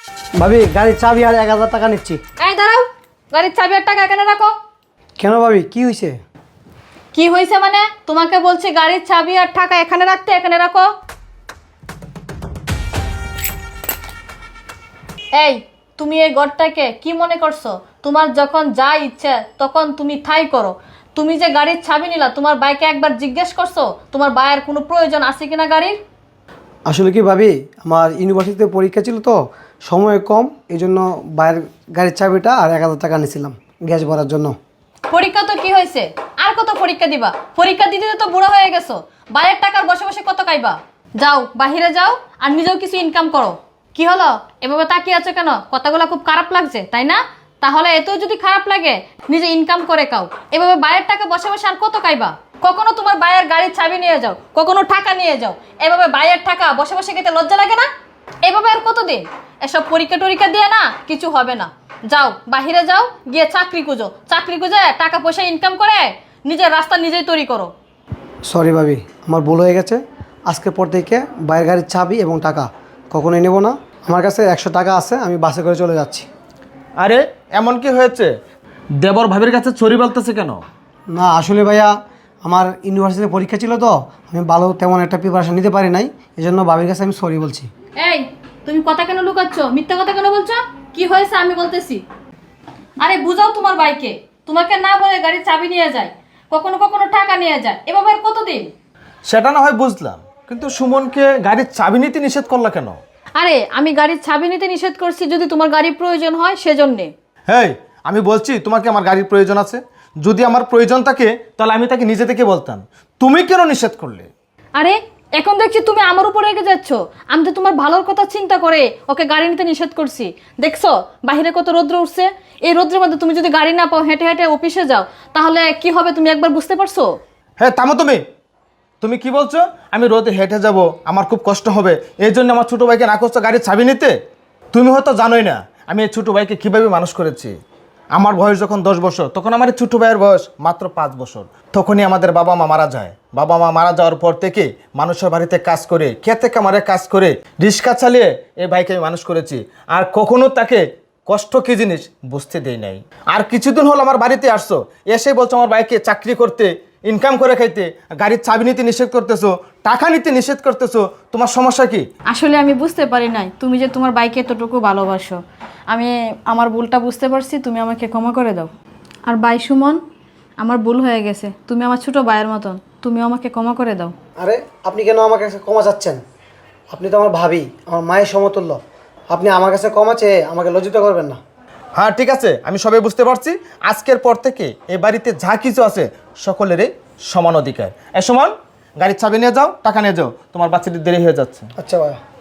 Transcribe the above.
ভাবি গাড়ির চাবি আর 1000 টাকা নিচ্ছি। এই দাঁড়াও, গাড়ির চাবি আর টাকা এখানে রাখো। কেন ভাবি, কি হয়েছে? কি হয়েছে মানে? তোমাকে বলছি গাড়ির চাবি আর টাকা এখানে রাখতে, এখানে রাখো। এই, তুমি এই ঘরটাকে কি মনে করছো? তোমার যখন যা ইচ্ছে তখন তুমি ঠাই করো। তুমি যে গাড়ির চাবি নিলা, তোমার বাইকে একবার জিজ্ঞেস করছো তোমার বাইয়ের কোনো প্রয়োজন আছে কিনা গাড়ির? আসলে কি ভাবি, আমার ইউনিভার্সিটিতে পরীক্ষা ছিল তো, সময় কম, এই জন্য বাইরের গাড়ির চাবিটা আর 1000 টাকা নিয়েছিলাম গ্যাস ভরার জন্য। পরীক্ষা তো কি হয়েছে? আর কত পরীক্ষা দিবা? পরীক্ষা দিতে তো বুড়ো হয়ে গেছো। বাইরের টাকার বসে বসে কত খাইবা? যাও, বাহিরে যাও আর নিজেও কিছু ইনকাম করো। কি হলো, এভাবে তাকিয়ে আছো কেন? কথাগুলো খুব খারাপ লাগছে তাই না? তাহলে এতেও যদি খারাপ লাগে, নিজে ইনকাম করে খাও। এভাবে বাইরের টাকা বসে বসে আর কত খাইবা? কখনো তোমার বাইরের গাড়ির চাবি নিয়ে যাও, কখনো টাকা নিয়ে যাও। এভাবে বাইরের টাকা বসে বসে খেতে লজ্জা লাগে না? এভাবে আর কতদিন? এসব পরীক্ষা টরীক্ষা দিয়ে না কিছু হবে না। যাও, বাহিরে যাও, গিয়ে চাকরি খুঁজো। চাকরি খুঁজে টাকা পয়সা ইনকাম করে নিজের রাস্তা নিজেই তৈরি করো। সরি ভাবি, আমার ভুল হয়ে গেছে। আজকের পর থেকে বাইরের গাড়ির চাবি এবং টাকা কখনোই নেব না। আমার কাছে 100 টাকা আছে, আমি বাসে করে চলে যাচ্ছি। আরে এমন কি হয়েছে? দেবর ভাবির কাছে চুরি বলতেছে কেন? না আসলে ভাইয়া, আমার ইউনিভার্সিটিতে পরীক্ষা ছিল তো, আমি ভালো তেমন একটা প্রিপারেশন নিতে পারি নাই, এই জন্য ভাবির কাছে আমি সরি বলছি। এই, তুমি কথা কেন লুকাচ্ছ? মিথ্যা কথা কেন বলছো? কি হয়েছে আমি বলতেছি। আরে বুঝাও তোমার বাইকে, তোমাকে না বলে গাড়ির চাবি নিয়ে যায়, কখনো কখনো টাকা নিয়ে যায়। এভাবে আর কতদিন? সেটা না হয় বুঝলাম, কিন্তু সুমনকে গাড়ির চাবি নিতে নিষেধ করলা কেন? আরে আমি গাড়ির চাবি নিতে নিষেধ করছি যদি তোমার গাড়ির প্রয়োজন হয় সেজন্যে। হেই, আমি বলছি তোমাকে আমার গাড়ির প্রয়োজন আছে। যদি আমার প্রয়োজন থাকে তাহলে আমি তাকে নিজে থেকে বলতাম। তুমি কেন নিষেধ করলে? আরে এখন দেখছি তুমি আমার উপরে রেগে যাচ্ছ। আমি তো তোমার ভালোর কথা চিন্তা করে ওকে গাড়ি নিতে নিষেধ করছি। দেখছো বাইরে কত রৌদ্র উঠছে? এই রৌদ্রের মধ্যে তুমি যদি গাড়ি না পাও, হেঁটে হেঁটে অফিসে যাও, তাহলে কি হবে তুমি একবার বুঝতে পারছো? হ্যাঁ থামো তুমি। তুমি কি বলছো? আমি রোদে হেঁটে যাব, আমার খুব কষ্ট হবে, এই জন্য আমার ছোটো ভাইকে না করছো গাড়ির চাবি নিতে? তুমি হয়তো জানোই না আমি এই ছোটো ভাইকে কীভাবে মানুষ করেছি। আমার বয়স যখন 10 বছর, তখন আমার এই ছোটো ভাইয়ের বয়স মাত্র 5 বছর। তখনই আমাদের বাবা মা মারা যায়। বাবা মা মারা যাওয়ার পর থেকে মানুষের বাড়িতে কাজ করে, খেতে কামারে কাজ করে, রিক্সা চালিয়ে এই ভাইকে আমি মানুষ করেছি। আর কখনো তাকে কষ্ট কী জিনিস বুঝতে দেই নাই। আর কিছুদিন হলো আমার বাড়িতে আসছো, এসে বলছো আমার ভাইকে চাকরি করতে, ইনকাম করে খাইতে, গাড়ির চাবি নিতে নিষেধ করতেছো, টাকা নিতে নিষেধ করতেছো। তোমার সমস্যা কি? আসলে আমি বুঝতে পারি নাই তুমি যে তোমার বাইকে এতটুকু ভালোবাসো। আমি আমার ভুলটা বুঝতে পারছি, তুমি আমাকে ক্ষমা করে দাও। আর বাই সুমন, আমার ভুল হয়ে গেছে, তুমি আমার ছোট ভাইয়ের মতন, তুমি আমাকে ক্ষমা করে দাও। আরে আপনি কেন আমার কাছে ক্ষমা চাচ্ছেন? আপনি তো আমার ভাবি, আমার মায়ের সমতুল্য। আপনি আমার কাছে ক্ষমা চেয়ে আমাকে লজ্জিত করবেন না। হ্যাঁ ঠিক আছে, আমি সবাই বুঝতে পারছি। আজকের পর থেকে এ বাড়িতে যা কিছু আছে সকলেরই সমান অধিকার। এ সমান, গাড়ির চাবি নিয়ে যাও, টাকা নিয়ে যাও, তোমার বাচ্চাটির দেরি হয়ে যাচ্ছে। আচ্ছা ভাইয়া।